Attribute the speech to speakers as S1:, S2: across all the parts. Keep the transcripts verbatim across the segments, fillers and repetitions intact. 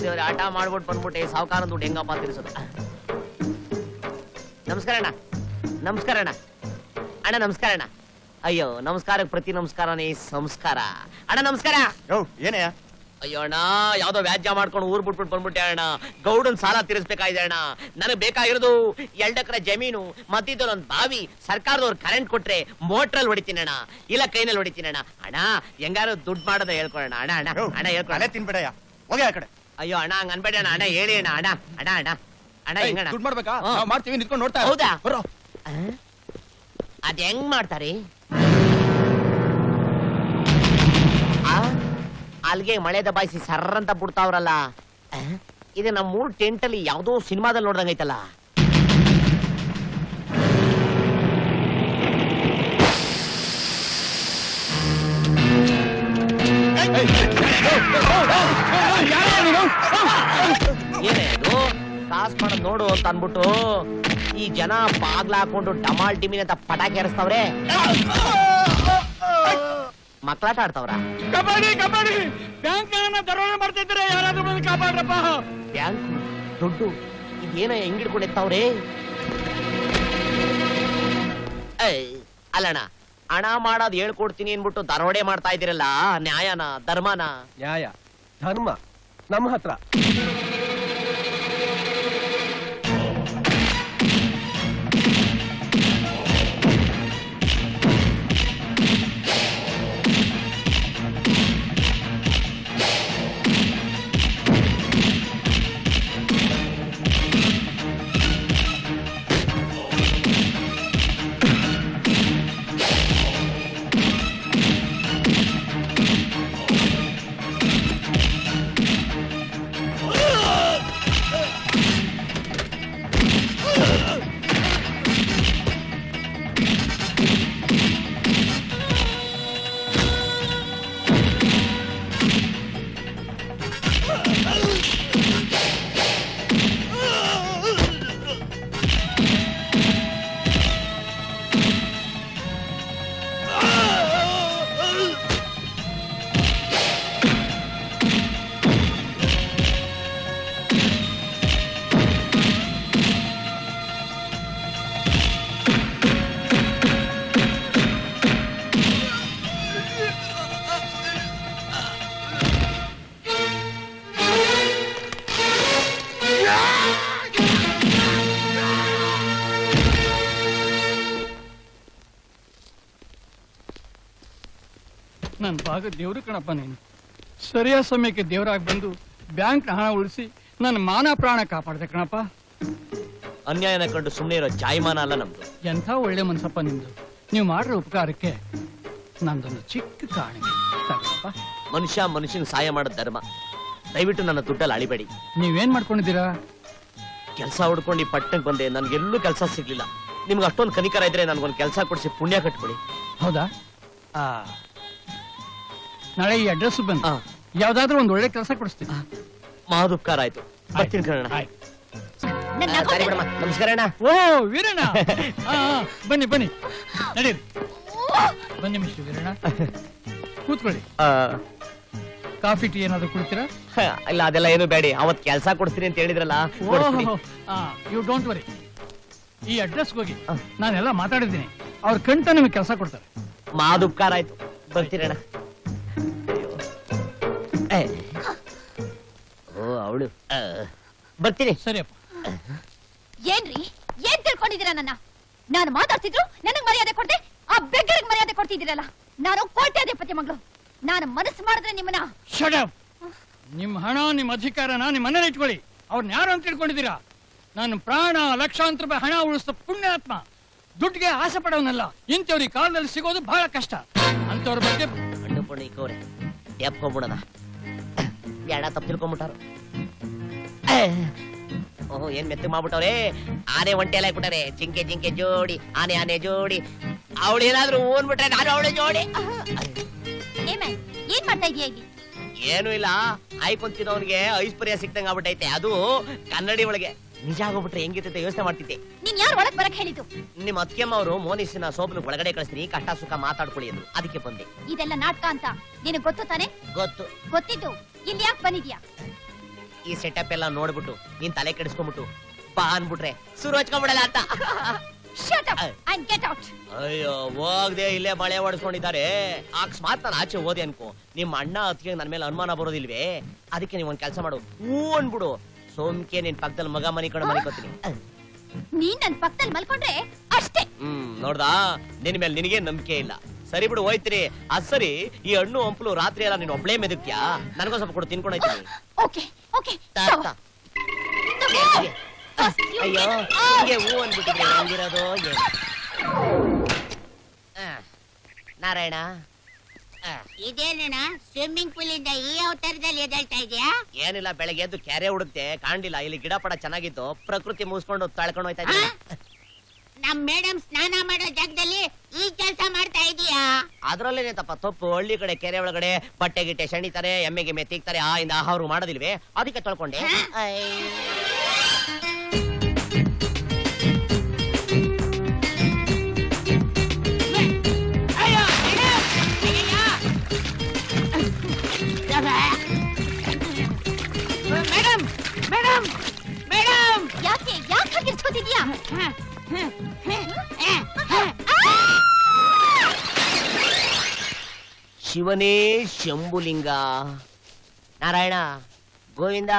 S1: ಆಟ ಮಾಡ್ಬಿಟ್ಟು ಬಂದ್ಬಿಟ್ಟೆ ಸಾವುಕಾರ ದುಡ್ಡು ಹೆಂಗಪ್ಪ ತಿರ್ಸೋದು. ನಮಸ್ಕಾರ ಅಣ್ಣ. ನಮಸ್ಕಾರ ಅಣ್ಣ. ಅಣ್ಣ ನಮಸ್ಕಾರ ಅಣ್ಣ. ಅಯ್ಯೋ ನಮಸ್ಕಾರಕ್ಕೆ ಪ್ರತಿ ನಮಸ್ಕಾರನೇ ಸಂಸ್ಕಾರ. ಅಣ್ಣ ನಮಸ್ಕಾರ.
S2: ಏನೇ?
S1: ಅಯ್ಯೋ ಅಣ್ಣ ಯಾವ್ದೋ ವ್ಯಾಜ್ಯ ಮಾಡ್ಕೊಂಡು ಊರ್ ಬಿಟ್ಬಿಟ್ಟು ಬಂದ್ಬಿಟ್ಟೆ ಅಣ್ಣ. ಗೌಡನ್ ಸಾಲ ತೀರಿಸ್ಬೇಕಾಗಿದೆ ಅಣ್ಣ. ನನಗ್ ಬೇಕಾಗಿರೋದು ಎರಡ್ ಎಕರೆ ಜಮೀನು, ಮತ್ತಿದ್ದೊಂದು ಒಂದ್ ಬಾವಿ. ಸರ್ಕಾರದವ್ರು ಕರೆಂಟ್ ಕೊಟ್ರೆ ಮೋಟ್ರಲ್ಲಿ ಹೊಡಿತೀನಿ ಅಣ್ಣ, ಇಲ್ಲ ಕೈನಲ್ಲಿ ಹೊಡಿತೀನಿ ಅಣ್ಣ. ಅಣ್ಣ ಹೆಂಗಾರು ದುಡ್ಡು ಮಾಡೋದ ಹೇಳ್ಕೊಳಣ ಅಣ್ಣ. ಅಣ್ಣ ಅಣ್ಣ ಹೇಳ್ಕೊಳ
S2: ತಿನ್ಬೇಡಯ್ಯ, ಹೋಗಿ ಆ ಕಡೆ.
S1: ಅಯ್ಯೋ ಅಣ್ಣ ಹಂಗ ಅನ್ಬೇಡ ಅಣ್ಣ. ಅಣ್ಣ ಹೇಳಿ ಅಣ್ಣ. ಅಣ್ಣ ಅಣ್ಣ ಅಣ್ಣ ಅಣ್ಣ ಹೆಂಗಣ್ಣ
S2: ದುಡ್ಡು ಮಾಡ್ಬೇಕಾ? ಮಾಡ್ತೀವಿ, ನಿಂತ್ಕೊಂಡು ನೋಡ್ತಾ.
S1: ಹೌದಾ? ಅದ್ ಹೆಂಗ್ ಮಾಡ್ತಾರೆ? ಅಲ್ಗೆ ಮಳೆ ದಬಾಯಿಸಿ ಸರ್ರ ಅಂತ ಬಿಡ್ತಾವ್ರಲ್ಲ. ಇದು ನಮ್ಮ ಮೂರ್ ಟೆಂಟ್ ಅಲ್ಲಿ ಯಾವ್ದೋ ಸಿನಿಮಾದಲ್ಲಿ ನೋಡ್ದಂಗೈತಲ್ಲ. ಏನೇ ಅದು ಕಾಸ್ ಮಾಡೋದ್ ನೋಡು ಅಂತ ಅನ್ಬಿಟ್ಟು ಈ ಜನ ಬಾಗ್ಲ ಹಾಕೊಂಡು ಡಮಾಲ್ ಡಿಮಿನ್ ಅಂತ ಪಟಾಕಿ ಹಾರಿಸ್ತಾವ್ರೆ. ಮಕ್ಕಳಾಟ ಆಡ್ತಾವ್ರ?
S3: ಕಬಡ್ಡಿ ಕಬಡ್ಡಿ ಬ್ಯಾಂಕ್ ದರೋಡೆ ಮಾಡ್ತಿದ್ರೆ ಯಾರಾದ್ರೂ ಬಂದು ಕಾಪಾಡ್ರಪ್ಪ.
S1: ಬ್ಯಾಂಕ್ ದುಡ್ಡು ಇದೇನ ಹೆಂಗಿಡ್ಕೊಂಡು ಎತ್ತಾವ್ರೆ? ಅಲ್ಲಣ್ಣ ಹಣ ಮಾಡೋದ್ ಹೇಳ್ಕೊಡ್ತೀನಿ ಅನ್ಬಿಟ್ಟು ದರೋಡೆ ಮಾಡ್ತಾ ಇದ್ದೀರಲ್ಲ, ನ್ಯಾಯನ ಧರ್ಮನ?
S2: ನ್ಯಾಯ ಧರ್ಮ ನಮ್ಮ ಹತ್ರ.
S3: ನನ್ನ ಭಾಗ ದೇವ್ರು ಕಣಪ್ಪ ನೀನು. ಸರಿಯಾದ ಸಮಯಕ್ಕೆ ದೇವರಾಗಿ ಬಂದು ಬ್ಯಾಂಕ್ ಹಣ ಉಳಿಸಿ ನನ್ನ ಮಾನ ಪ್ರಾಣ ಕಾಪಾಡ್ದೆ ಕಣಪ್ಪ.
S1: ಅನ್ಯಾಯನ ಕಂಡು ಸುಮ್ಮನೆ ಇರೋ ಜಾಯಮಾನ ಅಲ್ಲ ನಮ್ದು.
S3: ಎಂಥ ಒಳ್ಳೆ ಮನ್ಸಪ್ಪ ನಿಮ್ದು. ನೀವು ಮಾಡಿರೋ ಉಪಕಾರಕ್ಕೆ ನಂದೊಂದು ಚಿಕ್ಕ ಕಾಣಿಕೆ ತಗೊಳಪ್ಪ.
S1: ಮನುಷ್ಯ ಮನುಷ್ಯನ ಸಹಾಯ ಮಾಡೋದ್ ಧರ್ಮ. ದಯವಿಟ್ಟು ನನ್ನ ದುಡ್ಡಲ್ಲಿ ಅಳಿಬೇಡಿ.
S3: ನೀವೇನ್ ಮಾಡ್ಕೊಂಡಿದ್ದೀರಾ?
S1: ಕೆಲಸ ಹುಡ್ಕೊಂಡು ಈ ಪಟ್ಟಣಕ್ಕೆ ಬಂದೆ, ನನ್ಗೆಲ್ಲೂ ಕೆಲಸ ಸಿಗ್ಲಿಲ್ಲ. ನಿಮ್ಗೆ ಅಷ್ಟೊಂದು ಕನಿಕರ ಇದ್ರೆ ನನ್ಗೊಂದು ಕೆಲಸ ಕೊಡಿಸಿ ಪುಣ್ಯ ಕಟ್ಕೊಳ್ಳಿ.
S3: ಹೌದಾ? ಆ ನಾಳೆ ಈ ಅಡ್ರೆಸ್ ಬಂದು ಯಾವ್ದಾದ್ರು ಒಂದ್ ಒಳ್ಳೆ ಕೆಲಸ ಕೊಡಿಸ್ತೀನಿ.
S1: ಮಹದುಪಕಾರ ಆಯ್ತು. ಬರ್ತೀನಿ ಕಣ. ನಮಸ್ಕಾರ ಅಣ್ಣ.
S3: ಓ ವೀರಣ್ಣ, ಬನ್ನಿ ಬನ್ನಿ ನಡೀರಿ. ಬನ್ನಿ ಮಿಸ್ಟರ್ ವೀರಣ್ಣ, ಕೂತ್ಕೊಳ್ಳಿ. ಕಾಫಿ ಟೀ ಏನಾದ್ರು ಕುಡ್ತೀರಾ?
S1: ಇಲ್ಲ ಅದೆಲ್ಲ ಏನು ಬೇಡಿ. ಅವತ್ ಕೆಲಸ ಕೊಡ್ತೀನಿ ಅಂತ ಹೇಳಿದ್ರಲ್ಲ.
S3: You don't worry. ಈ ಅಡ್ರೆಸ್ ಹೋಗಿ ನಾನೆಲ್ಲ ಮಾತಾಡಿದ್ದೀನಿ. ಅವ್ರ ಕಂಟ ನಿಮಗೆ ಕೆಲಸ ಕೊಡ್ತಾರೆ.
S1: ಮಹದುಪಕಾರ ಆಯ್ತು. ಬರ್ತೀರಣ್ಣ. ಓ ಅವಳು ಬರ್ತೀನಿ.
S3: ಸರಿಯಪ್ಪ.
S4: ಏನ್ರಿ ಏನ್ ತಿಳ್ಕೊಂಡಿದ್ದೀರಾ? ನನ್ನ ನಾನು ಮಾತಾಡ್ತಿದ್ರು ನನಗ್ ಮರ್ಯಾದೆ ಕೊಡ್ದೆ, ಆ ಬೆಗ್ಗರಿಗೆ ಮರ್ಯಾದೆ ಕೊಡ್ತಿದ್ದೀರಲ್ಲ. ನಾನು ಕೋಟ್ಯಾಧಿಪತಿ ಮಗಳು. ನಾನು ಮನಸ್ಸು ಮಾಡಿದ್ರೆ ನಿಮ್ಮನ್ನ.
S3: Shut up. ನಿಮ್ ಹಣ ನಿಮ್ ಅಧಿಕಾರನ ನಿಮ್ ಮನೇಲಿ ಇಟ್ಕೊಳ್ಳಿ. ಅವ್ರನ್ನ ಯಾರು ಅಂತ ತಿಳ್ಕೊಂಡಿದ್ದೀರಾ? ನಾನು ಪ್ರಾಣ ಲಕ್ಷಾಂತರ ರೂಪಾಯಿ ಹಣ ಉಳಿಸಿದ ಪುಣ್ಯಾತ್ಮ. ದುಡ್ಡಿಗೆ ಆಸೆ ಪಡೋನಲ್ಲ. ಇಂಥವ್ರಿಗೆ ಕಾಲದಲ್ಲಿ ಸಿಗೋದು ಬಹಳ ಕಷ್ಟ. ಅಂತವ್ರ ಬಗ್ಗೆ
S1: ಹಣ್ಣು ಪಣ್ಣು ಇಕ್ಕವ್ರೆ ಎಪ್ಕೊಂಡ್ಬಿಡೋಣ. ಎಡ ತಪ್ಪು ತಿಳ್ಕೊಂಡ್ಬಿಟ್ಟಾರ. ಓಹೋ ಏನ್ ಮೆತ್ತಗ್ ಮಾಡ್ಬಿಟ್ಟವ್ರೆ. ಆನೆ ಒಂಟೆ ಎಲ್ಲ ಹಾಕ್ಬಿಟ್ಟಾರೆ. ಜಿಂಕೆ ಜಿಂಕೆ ಜೋಡಿ, ಆನೆ ಆನೆ ಜೋಡಿ. ಅವಳು ಏನಾದ್ರು ಓನ್ಬಿಟ್ರೆ ನಾನು ಅವಳು ಜೋಡಿ.
S4: ಏನ್ ಮಾಡ್ತಾ ಇದೀಯ ಇಲ್ಲಿ?
S1: ಏನು ಇಲ್ಲ, ಆಯ್ಕೊಂತಿದ್ದವನ್ಗೆ ಐಶ್ವರ್ಯ ಸಿಕ್ತಂಗ ಆಗ್ಬಿಟ್ಟೈತೆ. ಅದು ಕನ್ನಡಿ ಒಳಗೆ. ನಿಜ ಆಗೋಗ್ಬಿಟ್ರೆ ಹೆಂಗಿರ್ತೈತೆ ಯೋಚನೆ ಮಾಡ್ತಿದ್ದೆ.
S4: ನೀನ್ ಯಾರು ಒಳಗ್ ಬರಕ್ ಹೇಳಿದ್ದು?
S1: ನಿಮ್ಮ ಅತ್ತಿಗೆಮ್ಮ ಅವರು ಮೋನಿಸಿನ ಸೋಪನ ಒಳಗಡೆ ಕಳಿಸ್ತೀನಿ, ಕಷ್ಟ ಸುಖ ಮಾತಾಡ್ಕೊಳ್ಳಿ ಅಂದ್ರು. ಅದಕ್ಕೆ ಬಂದೆ.
S4: ಇದೆಲ್ಲ ನಾಟಕ ಅಂತ ನಿನಗ್ ಗೊತ್ತು ತಾನೆ?
S1: ಗೊತ್ತು.
S4: ಗೊತ್ತಿದ್ದು ಇಲ್ಲಿ ಯಾಕೆ ಬಂದಿದ್ಯಾ?
S1: ಈ ಸೆಟಪ್ ಎಲ್ಲ ನೋಡ್ಬಿಟ್ಟು ನೀನ್ ತಲೆ ಕೆಡಿಸ್ಕೊಂಡ್ಬಿಟ್ಟು ಬಾ ಅನ್ಬಿಟ್ರೆ ಸುರು ಹಚ್ಕೊಂಡ್ಬಿಡಲ್ಲ ಅಂತ
S4: Shut up and get out.
S1: ಅಯ್ಯೋ ಹೋಗ್ದೆ ಇಲ್ಲೇ ಮಳೆ ಹೊಡ್ಸ್ಕೊಂಡಿದ್ದಾರೆ ಅಕಸ್ಮಾತ್ ನಾನು ಆಚೆ ಹೋದೆ ಅನ್ಕೋ ನಿಮ್ಮ ಅಣ್ಣ ಅತ್ತಿಗೆ ನನ್ ಮೇಲೆ ಅನುಮಾನ ಬರೋದಿಲ್ವೇ? ಅದಕ್ಕೆ ನೀವ್ ಒಂದ್ ಕೆಲಸ ಮಾಡು, ಹೂ ಅನ್ಬಿಡು. ಸೋಮ್ಕೆ ನಿನ್ ಪಕ್ಕದಲ್ಲಿ ಮಗ ಮನಿ ಕಡೆ ಮನಿಕೋತೀನಿ.
S4: ನೀನ್ ನನ್ ಪಕ್ಕದಲ್ಲಿ ಮಲ್ಕೊಂಡ್ರೆ ಅಷ್ಟೇ.
S1: ಹ್ಮ್ ನೋಡ್ದಾ, ನಿನ್ ಮೇಲೆ ನಿನಗೆ ನಂಬಿಕೆ ಇಲ್ಲ. ಸರಿ ಬಿಡು, ಹೋಯ್ತೀನಿ. ಅದ್ ಸರಿ, ಈ ಹಣ್ಣು ಹಂಪಲು ರಾತ್ರಿ ಎಲ್ಲ ನೀನ್ ಒಬ್ಳೇ ಮೆದಕ್ಯಾ? ನನಗೂ ಸ್ವಲ್ಪ ಕೊಡು, ತಿನ್ಕೊಂಡೋಯ್ತೀನಿ.
S4: ಓಕೆ ಓಕೆ
S1: ಅಯ್ಯೋ ಹಿಂಗೆ ಹೂ ಅನ್ಬಿಟ್ಟಿದ್ರೆ ಹೆಂಗಿರೋದು ಏನು? ಆ, ನಾರಾಯಣ ಆ,
S5: ಇದೇನಣ್ಣ ಸ್ವಿಮ್ಮಿಂಗ್ ಪೂಲ್ ಇಂದ ಈ ಅವತಾರದಲ್ಲಿ ಎದ್ದೇಳ್ತಾ ಇದೆಯಾ?
S1: ಏನಿಲ್ಲ, ಬೆಳಗ್ಗೆ ಎದ್ದು ಕೆರೆ ಹುಡುಕ್ತೆ, ಕಾಣ್ಲಿಲ್ಲ. ಇಲ್ಲಿ ಗಿಡ ಪಡ ಚೆನ್ನಾಗಿತ್ತು, ಪ್ರಕೃತಿ ಮುಗಿಸ್ಕೊಂಡು ತಳ್ಕೊಂಡು ಹೋಯ್ತಾ ಇದ್ದೀನಿ.
S5: ನಮ್ ಮೇಡಮ್ ಸ್ನಾನ ಮಾಡೋ ಜಾಗದಲ್ಲಿ ಈ ಕೆಲಸ ಮಾಡ್ತಾ ಇದೀಯಾ?
S1: ಅದ್ರಲ್ಲೇನೆ ತಪ್ಪ ತಪ್ಪು. ಹಳ್ಳಿ ಕಡೆ ಕೆರೆ ಒಳಗಡೆ ಬಟ್ಟೆ ಗಿಟ್ಟೆ ಶಣಿತಾರೆ, ಎಮ್ಮೆ ಗಿಮ್ಮೆ ತಿಕ್ತಾರೆ, ಆ ಇಂದ ಅವರು ಮಾಡೋದಿಲ್ವೇ? ಅದಕ್ಕೆ ತೊಳ್ಕೊಂಡೆ. ಐ.
S5: ಅಯ್ಯೋ, ಅಯ್ಯಯ್ಯೋ. ಮೇಡಮ್ ಮೇಡಮ್ ಮೇಡಮ್
S4: ಯಾಕೆ ಯಾಕೆ ಹಾಗಿರ್ಸ್ಕೊತಿದ್ಯಾ?
S1: ಶಿವನೇ ಶಂಭುಲಿಂಗ, ನಾರಾಯಣ ಗೋವಿಂದ.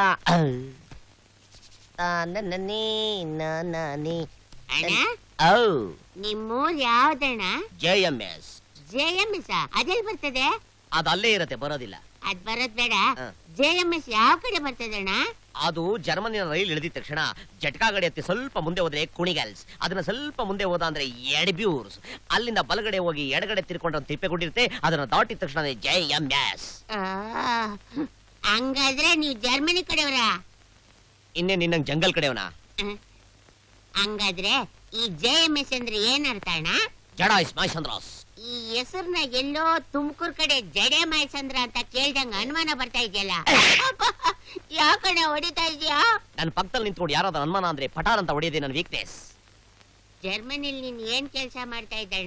S1: ನನ್ನೇ ನನ್ನೇ
S5: ಅಣ್ಣ,
S1: ಔ
S5: ನಿಮ್ಮೂರ್ ಯಾವ್ದಣ್ಣ?
S1: J M S.
S5: J M S ಅದೆಲ್ ಬರ್ತದೆ?
S1: ಅದು ಅಲ್ಲೇ ಇರತ್ತೆ, ಬರೋದಿಲ್ಲ.
S5: ಅದ್ ಬರೋದ್ ಬೇಡ.
S1: ಹ.
S5: ಜೆ ಎಂ ಎಸ್ ಯಾವ ಕಡೆ ಬರ್ತದೆ ಅಣ್ಣ?
S1: ಅದು ಜರ್ಮನಿನ ರೈಲ್ ಇಳಿದಿದ ತಕ್ಷಣ ಜಟ್ಕಾ ಗಡಿ ಹತ್ತಿ ಸ್ವಲ್ಪ ಮುಂದೆ ಹೋದ್ರೆ ಕುಣಿಗಲ್ಸ್, ಅದನ್ನ ಸ್ವಲ್ಪ ಮುಂದೆ ಹೋದ ಅಂದ್ರೆ ಎಡ್ಬ್ಯೂರ್ಸ್, ಅಲ್ಲಿಂದ ಬಲಗಡೆ ಹೋಗಿ ಎಡಗಡೆ ತಿರ್ಕೊಂಡ್ರೆ ಒಂದು ತಿಪ್ಪೆಗುಂಡಿರುತ್ತೆ, ಅದನ್ನ ದಾಟಿದ ತಕ್ಷಣ ಜೆ ಎಂ ಎಸ್.
S5: ಆ, ಹಂಗಾದ್ರೆ ನೀವು ಜರ್ಮನಿ ಕಡೆಯವರ?
S1: ಇನ್ನೇ ನಿನ್ನಂಗ್ ಜಂಗಲ್ ಕಡೆಯವನ?
S5: ಹಂಗಾದ್ರೆ ಈ ಜೆ ಎಂ ಎಸ್ ಅಂದ್ರೆ ಏನರ್ಥ ಅಣ್ಣ?
S1: ಜಡಾಯ್ಸ್ ಮಾಯ್ಸಂದ್ರಾಸ್.
S5: ಈ ಹೆಸರ್ನ ಎಲ್ಲೋ ತುಮಕೂರ್ ಕಡೆ ಜಡೆ ಮಾಯ್ಸಂದ್ರ ಅಂತ ಕೇಳ್ದಂಗ ಅನುಮಾನ ಬರ್ತಾ ಇದೆಯಲ್ಲ, ಯಾಕಣ್ಣ ಹೊಡಿತಾ ಇದೀಯಾ?
S1: ನನ್ನ ಪಕ್ಕದಲ್ಲಿ ನಿಂತ್ಕೊಂಡು ಯಾರಾದ್ರೂ ಅನುಮಾನ ಅಂದ್ರೆ ಪಟಾರ್ ಅಂತ ಹೊಡೆಯೋದೇ ನನ್ನ ವೀಕ್ನೆಸ್.
S5: ಜರ್ಮನಿಲ್ ನೀನ್ ಏನ್ ಕೆಲ್ಸ ಮಾಡ್ತಾ ಇದ್ದಣ್ಣ?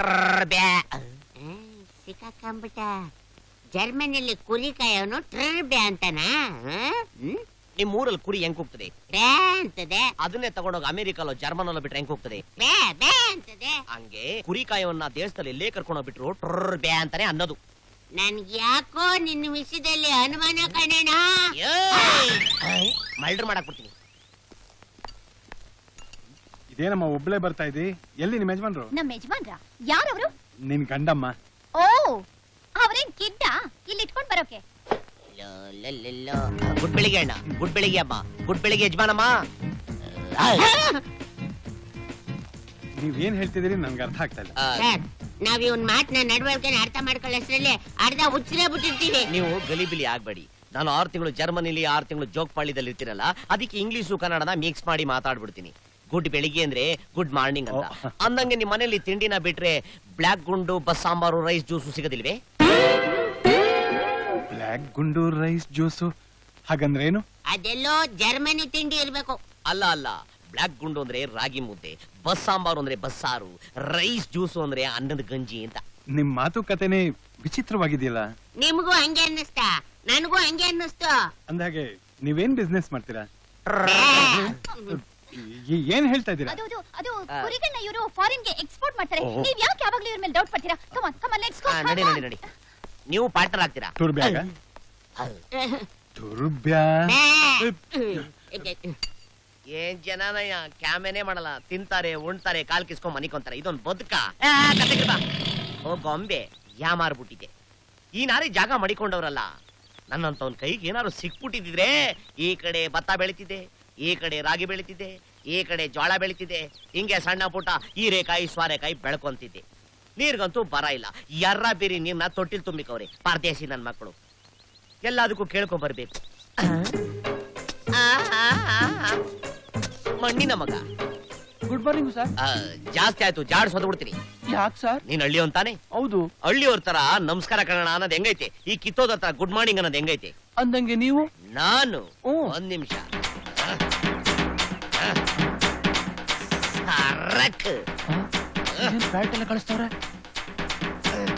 S5: ಸಿಕ್ಕಾಕೊಂಬಿಟ್ಟ. ಜರ್ಮನಿಯಲ್ಲಿ ಕುರಿ ಕಾಯೋನು ಟ್ರರ್ ಬ್ಯಾ ಅಂತನಾ?
S1: ನಿಮ್ ಊರಲ್ಲಿ ಕುರಿ ಹೆಂಗ್ ಹೋಗ್ತದೆ?
S5: ಬ್ಯಾ ಅಂತದೆ.
S1: ಅದನ್ನೇ ತಗೊಂಡೋಗಿ ಅಮೆರಿಕಲ್ಲೋ ಜರ್ಮನಲ್ಲೋ ಬಿಟ್ರೆ ಹೆಂಗ್ ಹೋಗ್ತದೆ?
S5: ಬ್ಯಾ ಬ್ಯಾ ಅಂತದೆ.
S1: ಹಂಗೆ ಕುರಿ ಕಾಯವನ್ನ ದೇಶದಲ್ಲಿ ಎಲ್ಲೇ ಕರ್ಕೊಂಡೋಗ್ಬಿಟ್ರು ಟ್ರರ್ ಬ್ಯಾ ಅಂತಾನೆ ಅನ್ನೋದು.
S5: ನನ್ಗೆ ಯಾಕೋ ನಿನ್ನ ವಿಷಯದಲ್ಲಿ ಅನುಮಾನ ಕಣಣ್ಣ.
S1: ಮಲ್ಡರ್ ಮಾಡಕ್ ಬಿಡ್ತೀನಿ.
S6: ಇದೇನಮ್ಮ ಒಬ್ಳೆ ಬರ್ತಾ ಇದ್ದಿ? ಎಲ್ಲಿ ನಿಮ್ ಯಜಮಾನ್ರು?
S4: ನಮ್ಮ ಯಜಮಾನ್ರ ಯಾರವರು?
S6: ನಿನ್ ಗಂಡಮ್ಮ.
S4: ಓ, ಅವ್ರೇನ್ ಕಿಡ್ಡ ಇಲ್ಲಿ ಇಟ್ಕೊಂಡ್ ಬರೋಕೆ?
S1: ಗುಡ್ ಬೆಳಿಗ್ಗೆ ಅಣ್ಣ. ಗುಡ್ ಬೆಳಿಗ್ಗೆ ಅಮ್ಮ. ಗುಡ್ ಬೆಳಿಗ್ಗೆ ಯಜಮಾನಮ್ಮ.
S6: ನೀವ್ ಏನ್ ಹೇಳ್ತಿದ್ದೀರಿ ನನ್ಗೆ ಅರ್ಥ ಆಗ್ತಾ ಇಲ್ಲ.
S1: ಆ,
S5: ಸರ್, ನಾವ್ ಇವನ್ ಮಾತನ್ನ ನಡವಳಿಕೆನ ಅರ್ಥ ಮಾಡ್ಕೊಳ್ಳೋಷ್ಟ್ರಲ್ಲಿ ಅರ್ಧ ಉಚ್ಚರೇ ಬಿಟ್ಟಿರ್ತೀವಿ.
S1: ನೀವು ಗಲಿಬಿಲಿ ಆಗ್ಬೇಡಿ. ನಾನು ಆರು ತಿಂಗಳು ಜರ್ಮನಿಲಿ ಆರು ತಿಂಗಳು ಜೋಗ್ಪಾಳ್ಯದಲ್ಲಿ ಇರ್ತೀರಲ್ಲ, ಅದಕ್ಕೆ ಇಂಗ್ಲಿಷು ಕನ್ನಡನ ಮಿಕ್ಸ್ ಮಾಡಿ ಮಾತಾಡ್ಬಿಡ್ತೀನಿ. ಗುಡ್ ಬೆಳಿಗ್ಗೆ ಅಂದ್ರೆ ಗುಡ್ ಮಾರ್ನಿಂಗ್ ಅಂತ. ಅಂದಂಗೆ ನಿಮ್ ಮನೇಲಿ ತಿಂಡಿನ ಬಿಟ್ರೆ ಬ್ಲಾಕ್ ಗುಂಡು, ಬಸ್ ಸಾಂಬಾರು, ರೈಸ್, ಜ್ಯೂಸು ಸಿಗೋದಿಲ್ವೇ?
S6: ಬ್ಲ್ಯಾಕ್ ಗುಂಡು ರೈಸ್ ಜ್ಯೂಸು ಹಾಗಂದ್ರೇನು?
S5: ಅದೆಲ್ಲೋ ಜರ್ಮನಿ ತಿಂಡಿ ಇರ್ಬೇಕು.
S1: ಅಲ್ಲ ಅಲ್ಲ, ಬ್ಲಾಕ್ ಗುಂಡು ಅಂದ್ರೆ ರಾಗಿ ಮುದ್ದೆ, ಬಸ್ ಸಾಂಬಾರು ಅಂದ್ರೆ ಬಸ್ಸಾರು, ರೈಸ್ ಜ್ಯೂಸು ಅಂದ್ರೆ ಅನ್ನದ ಗಂಜಿ ಅಂತ.
S6: ನಿಮ್ ಮಾತುಕತೆನೆ ವಿಚಿತ್ರವಾಗಿದೆಯಲ್ಲ.
S5: ನಿಮ್ಗೂ ಹಂಗೆ ಅನ್ನಿಸ್ತಾ? ನನಗೂ ಹಂಗೆ ಅನ್ನಿಸ್ತು.
S6: ಅಂದಾಗೆ ನೀವೇನ್ ಬಿಸ್ನೆಸ್ ಮಾಡ್ತೀರಾ? ಈ- ಏನ್ ಹೇಳ್ತಾ ಇದ್ದೀರಾ?
S4: ಅದು ಅದು ಅದು ಕುರಿಗಳನ್ನ ಇವರು ಫಾರಿನ್ ಗೆ ಎಕ್ಸ್ಪೋರ್ಟ್ ಮಾಡ್ತಾರೆ.
S6: ಓಹೋ.
S4: ನೀವ್ ಯಾಕೆ ಯಾವಾಗ್ಲೂ ಇವ್ರ ಮೇಲೆ ಡೌಟ್ ಪಡ್ತೀರಾ? Come on come on let's go.
S1: ಆ, ನಡಿ ನಡಿ ನಡಿ. ನೀವು ಪಾರ್ಟ್ನರ್ ಆಗ್ತೀರಾ?
S6: ತುರ್ಬ್ಯಾಗ ತುರ್ಬ್ಯಾ.
S1: ಏನ್ ಜನನಯ್ಯ, ಕ್ಯಾಮೆನೆ ಮಾಡಲ್ಲ, ತಿಂತಾರೆ, ಉಣ್ತಾರೆ, ಕಾಲ್ ಕಿಸ್ಕೊಂಡ್ ಮನಿಕೊಂತಾರೆ. ಇದೊಂದ್ ಬದುಕ? ಓ ಗೊಂಬೆ, ಯಾ ಮಾರ್ಬಿಟ್ಟಿದೆ. ಈ ನಾರಿ ಜಾಗ ಮಡಿಕೊಂಡವ್ರಲ್ಲ, ನನ್ನಂತವನ್ ಕೈಗೆ ಏನಾದ್ರು ಸಿಕ್ಬಿಟ್ಟಿದ್ರೆ ಈ ಕಡೆ ಭತ್ತ ಬೆಳಿತಿದೆ, ಈ ಕಡೆ ರಾಗಿ ಬೆಳಿತಿದೆ, ಈ ಕಡೆ ಜೋಳ ಬೆಳಿತಿದೆ, ಹಿಂಗೆ ಸಣ್ಣ ಪುಟ್ಟ ಹೀರೆಕಾಯಿ ಸ್ವಾರೆಕಾಯಿ ಬೆಳ್ಕೊಂತಿದ್ದೆ. ನೀರ್ಗಂತೂ ಬರ ಇಲ್ಲ. ಎರ್ರ ಬೀರಿ ನೀರ್ನ ತೊಟ್ಟಿಲ್ ತುಂಬಿಕವ್ರೆ ಪರದೇಶಿ ನನ್ ಮಕ್ಕಳು. ಎಲ್ಲದಕ್ಕೂ ಕೇಳ್ಕೊಂಡ್ ಬರ್ಬೇಕು. ಮಣ್ಣಿನ ಮಗ.
S2: Good morning sir.
S1: ಆ, ಜಾಸ್ತಿ ಆಯ್ತು, ಜಾಡ್ ಸೋದ್ಬಿಡ್ತೀನಿ.
S2: ಯಾಕೆ ಸರ್?
S1: ನೀನ್ ಹಳ್ಳಿ ಅಂತಾನೆ?
S2: ಹೌದು.
S1: ಹಳ್ಳಿಯವ್ರ ತರ ನಮಸ್ಕಾರ ಕನ್ನಡ ಅನ್ನೋದ್ ಹೆಂಗೈತೆ, ಈ ಕಿತ್ತೋದ ತರ ಗುಡ್ ಮಾರ್ನಿಂಗ್ ಅನ್ನೋದ್ ಹೆಂಗೈತೆ?
S2: ಅಂದಂಗೆ ನೀವು?
S1: ನಾನು
S2: ಓ.
S1: ಒಂದ್ ನಿಮಿಷ.
S2: ಬ್ಯಾಟ್ ಎಲ್ಲ ಕಳಿಸ್ತವ್ರೆ.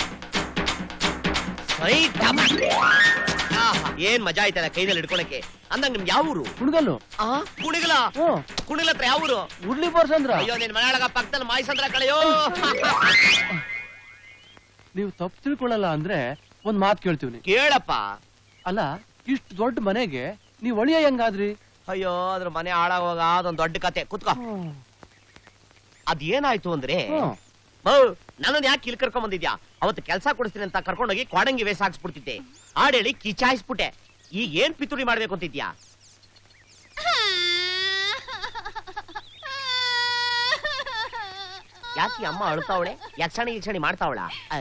S1: ಏನ್ ಮಜಾ ಆಯ್ತಲ್ಲ ಕೈನಲ್ಲಿ ಹಿಡ್ಕೊಳಕ್ಕೆ. ಅಂದಂಗ ನಿಮ್ಗೆ ಯಾವ ಊರು?
S2: ಹುಡುಗಲ್ಲು
S1: ಆ ಕುಣಿಗಲ
S2: ಹ್ಞೂ
S1: ಕುಣಿಗಲ ಹತ್ರ ಯಾವ ಊರು?
S2: ಉಡ್ಲಿ ಬೋರ್ಸಂದ್ರ.
S1: ಅಯ್ಯೋ ನಿನ್ ಮನೆಯೊಳಗ ಪಕ್ಕದಲ್ಲಿ ಮಾಯಿಸಂದ್ರ ಕಳೆಯೋ.
S2: ನೀವು ತಪ್ಪು ತಿಳ್ಕೊಳ್ಳಲ್ಲ ಅಂದ್ರೆ ಒಂದ್ ಮಾತು ಕೇಳ್ತೀವಿ.
S1: ಕೇಳಪ್ಪ.
S2: ಅಲ್ಲ, ಇಷ್ಟು ದೊಡ್ಡ ಮನೆಗೆ ನೀವ್ ಒಳಿಯ ಹೆಂಗಾದ್ರಿ?
S1: ಅಯ್ಯೋ ಅದ್ರ ಮನೆ ಹಾಳಾಗೋಗ ಅದೊಂದ್ ದೊಡ್ಡ ಕತೆ. ಕುತ್ಕೋ. ಅದೇನಾಯ್ತು ಅಂದ್ರೆ ನನ್ನನ್ನು ಯಾಕೆ ಇಲ್ಲಿ ಕರ್ಕೊಂಡ್ ಬಂದಿದ್ಯಾ? ಅವತ್ತು ಕೆಲಸ ಕೊಡಿಸ್ತೀನಿ ಅಂತ ಕರ್ಕೊಂಡೋಗಿ ಕ್ವಾಡಂಗಿ ವೇಸ್ ಹಾಕ್ಸ್ಬಿಡ್ತಿದ್ದೆ. ಆಡೇಳಿ ಕಿಚಾಯಿಸ್ಬಿಟ್ಟೆ. ಈಗ ಏನ್ ಪಿತೂರಿ ಮಾಡ್ಬೇಕು ಅಂತಿದ್ಯಾ? ಯಾಕೆ ಅಮ್ಮ ಅಳ್ತಾವಳೆ? ಯಕ್ಷಣಿ ಯಕ್ಷಣಿ ಮಾಡ್ತಾವಳ?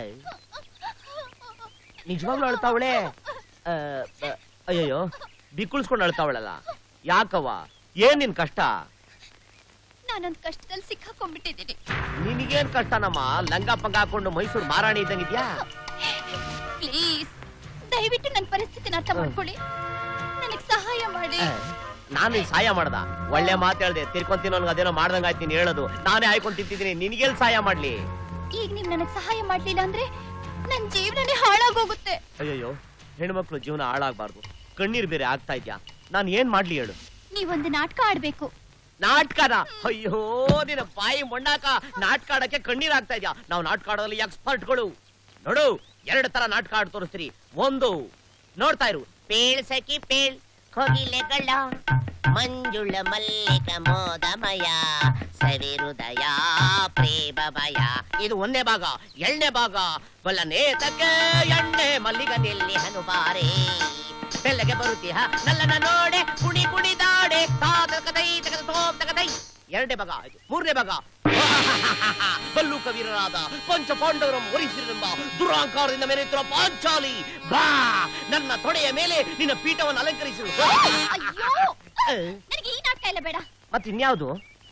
S1: ನಿಜವಾಗ್ಲೂ ಅಳ್ತಾವಳೆ? ಅಯ್ಯಯ್ಯೋ ಬಿಕ್ಕುಳ್ಸ್ಕೊಂಡು ಅಳ್ತಾವಳಲ್ಲ. ಯಾಕವ್ವ, ಏನ್ ನಿನ್ ಕಷ್ಟ?
S4: ನಾನೊಂದ್ ಕಷ್ಟದಲ್ಲಿ ಸಿಕ್ಕಾಕೊಂಡ್ಬಿಟ್ಟಿದ್ದೀನಿ.
S1: ನಿನಗೇನ್ ಕಷ್ಟನಮ್ಮ? ಲಂಗ ಪಂಗ ಹಾಕೊಂಡು ಮೈಸೂರು ಮಾರಾಣಿ ಇದ್ದಂಗಿದ್ಯಾ?
S4: ಪ್ಲೀಸ್ ದಯವಿಟ್ಟು ನನ್ನ ಪರಿಸ್ಥಿತಿನ ಅರ್ಥ ಮಾಡ್ಕೊಳ್ಳಿ. ನನಗ್ ಸಹಾಯ ಮಾಡಿ.
S1: ನಾನು ಸಹಾಯ ಮಾಡ್ದ? ಒಳ್ಳೆ ಮಾತು ಹೇಳ್ದೆ. ತಿರ್ಕೊಂತೀನಿ ಅವ್ನಿಗೆ ಅದೇನೋ ಮಾಡ್ದಂಗ ಆಯ್ತು ನೀನ್ ಹೇಳೋದು. ನಾನೇ ಆಯ್ಕೊಂಡು ತಿಂತಿದ್ದೀನಿ. ನಿನಗೆಲ್ ಸಹಾಯ ಮಾಡ್ಲಿ?
S4: ಈಗ ನೀವ್ ನನಗ್ ಸಹಾಯ ಮಾಡ್ಲಿಲ್ಲ ಅಂದ್ರೆ ನನ್ ಜೀವನನೇ ಹಾಳಾಗೋಗುತ್ತೆ.
S1: ಅಯ್ಯಯ್ಯೋ, ಹೆಣ್ಮಕ್ಳು ಜೀವನ ಹಾಳಾಗ್ಬಾರ್ದು. ಕಣ್ಣೀರ್ ಬೇರೆ ಆಗ್ತಾ ಇದ್ಯಾ? ನಾನ್ ಏನ್ ಮಾಡ್ಲಿ ಹೇಳು?
S4: ನೀವೊಂದು ನಾಟಕ ಆಡ್ಬೇಕು.
S1: ನಾಟಕನ? ಅಯ್ಯೋ ನಿನ್ನ ಬಾಯಿ ಮೊಂಡಾಕ. ನಾಟಕ ಆಡಕ್ಕೆ ಕಣ್ಣೀರ್ ಆಗ್ತಾ ಇದ್ಯಾ? ನಾವು ನಾಟಕ ಆಡೋದ್ರಲ್ಲಿ ಎಕ್ಸ್ಪರ್ಟ್ಗಳು. ನೋಡು, ಎರಡು ತರ ನಾಟಕ ಆಡ್ ತೋರಿಸ್ತೀರಿ. ಒಂದು ನೋಡ್ತಾ ಇರು.
S5: ಪೇಳ್ ಸಖಿ ಪೇಳ್ ಕೋಗಿಲೆಗಳ ಮಂಜುಳ ಮಲ್ಲಿಕ ಮೋದಮಯ ಸವಿರುದಯ ಪ್ರೇಮಮಯ.
S1: ಇದು ಒಂದೇ ಭಾಗ. ಎರಡನೇ ಭಾಗ ಬಲ್ಲನೇತಕ್ಕೆ ಎಣ್ಣೆ ಮಲ್ಲಿಗ ನಿಲ್ಲಿ ಹನುಬಾರೆ ಬೆಲ್ಲಗೆ ಬರುತ್ತೀಹ ನಲ್ಲನ ನೋಡೆ ಕುಣಿ ಕುಣಿದಾಡೆ ತಾತಕದೈ ತಗದ ತೋಮ್ ತಗದೈ. ಎರಡನೇ ಭಾಗ. ಮೂರನೇ ಭಾಗ ಬಲ್ಲು ಕವೀರರಾದ ಪಂಚ ಪಾಂಡವರಂ ವರಿಸಿರೆಂಬ ದುರಾಂಕಾರದಿಂದ ಮೆರೆಯುತ್ತಿರುವ ಪಾಂಚಾಲಿ ಬಾ ನನ್ನ ತೊಡೆಯ ಮೇಲೆ ನಿನ್ನ ಪೀಠವನ್ನು ಅಲಂಕರಿಸು.
S4: ಅಯ್ಯೋ, ನನಗೆ ಈ ನಾಟಕ ಎಲ್ಲ ಬೇಡ.
S1: ಮತ್ತಿನ್ಯಾವುದು?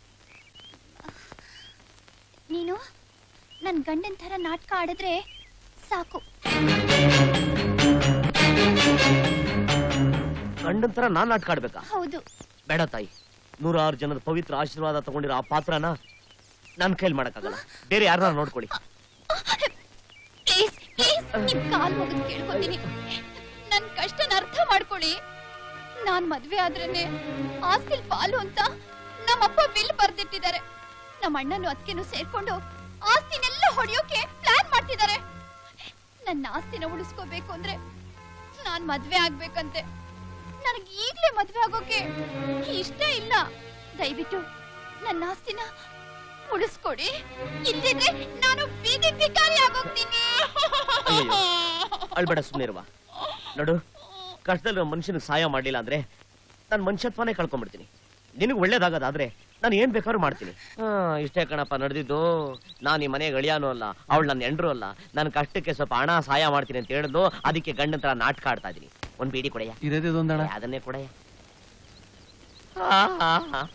S4: ನೀನು ನನ್ ಗಂಡನ್ ತರ ನಾಟಕ ಆಡಿದ್ರೆ ಸಾಕು.
S1: ಗಂಡನ್ ತರ ನಾನ್ ನಾಟಕ ಆಡ್ಬೇಕಾ?
S4: ಹೌದು.
S1: ಬೇಡ ತಾಯಿ. ನೂರಾರು ಜನದ ಪವಿತ್ರ ಆಶೀರ್ವಾದ ತಗೊಂಡಿರೋ ಆ ಪಾತ್ರನ ನನ್ ಕೈಲಿ ಮಾಡಕ್ಕಾಗಲ್ಲ. ಬೇರೆ ಯಾರನ್ನ ನೋಡ್ಕೊಳ್ಳಿ.
S4: ಪ್ಲೀಸ್ ಪ್ಲೀಸ್ ನಿಮ್ ಕಾಲ್ ಮುಗಿದು ಕೇಳ್ಕೊತೀನಿ. ನನ್ ಕಷ್ಟನ ಅರ್ಥ ಮಾಡ್ಕೊಳ್ಳಿ. ನಾನ್ ಮದ್ವೆ ಆದ್ರೇನೆ ಆಸ್ತಿಲ್ ಪಾಲು ಅಂತ ನಮ್ಮಪ್ಪ ಬಿಲ್ ಬರ್ದಿಟ್ಟಿದ್ದಾರೆ. ನಮ್ಮ ಅಣ್ಣನು ಅದಕ್ಕೇನು ಸೇರ್ಕೊಂಡು ಆಸ್ತಿನೆಲ್ಲ ಹೊಡೆಯೋಕೆ ಪ್ಲಾನ್ ಮಾಡ್ತಿದ್ದಾರೆ. ನನ್ನ ಆಸ್ತಿನ ಉಳಿಸ್ಕೋಬೇಕು ಅಂದ್ರೆ ನಾನ್ ಮದ್ವೆ ಆಗ್ಬೇಕಂತೆ. ನನಗೆ ಈಗ್ಲೇ ಮದ್ವೆ ಆಗೋಕೆ ಇಷ್ಟ ಇಲ್ಲ. ದಯವಿಟ್ಟು ನನ್ನ ಆಸ್ತಿನ ಉಳಿಸ್ಕೊಡಿ. ಇಲ್ಲಿದ್ರೆ ನಾನು ಬೀದಿ ಭಿಕಾರಿ ಆಗೋಗ್ತೀನಿ.
S1: ಅಳ್ಬೇಡ, ಸುಮ್ಮನೆ ಇರುವ. ನೋಡು, ಕಷ್ಟದಲ್ಲಿ ಮನುಷ್ಯನಿಗೆ ಸಹಾಯ ಮಾಡ್ಲಿಲ್ಲ ಅಂದ್ರೆ ನಾನು ಮನುಷ್ಯತ್ವನೇ ಕಳ್ಕೊಂಡ್ಬಿಡ್ತೀನಿ. ನಿನಗೆ ಒಳ್ಳೇದಾಗದಾದ್ರೆ ನಾನು ಏನ್ ಬೇಕಾದ್ರೂ ಮಾಡ್ತೀನಿ. ಹಾ, ಇಷ್ಟೇ ಕಣಪ್ಪ ನಡೆದಿದ್ದು. ನಾನು ಈ ಮನೆಗೆ ಅಳಿಯಾನು ಅಲ್ಲ, ಅವಳು ನನ್ನ ಎಂಡ್ರು ಅಲ್ಲ. ನನ್ನ ಕಷ್ಟಕ್ಕೆ ಸ್ವಲ್ಪ ಹಣ ಸಹಾಯ ಮಾಡ್ತೀನಿ ಅಂತ ಹೇಳಿದ್ಲು. ಅದಕ್ಕೆ ಗಂಡನ ತರ ನಾಟಕ ಆಡ್ತಾ ಇದೀನಿ. ಒಂದ್ ಬೀಡಿ ಕೊಡೆಯ?
S2: ಇರೋದೇ ಒಂದಣ.
S1: ಅದನ್ನೇ ಕೊಡೆಯ.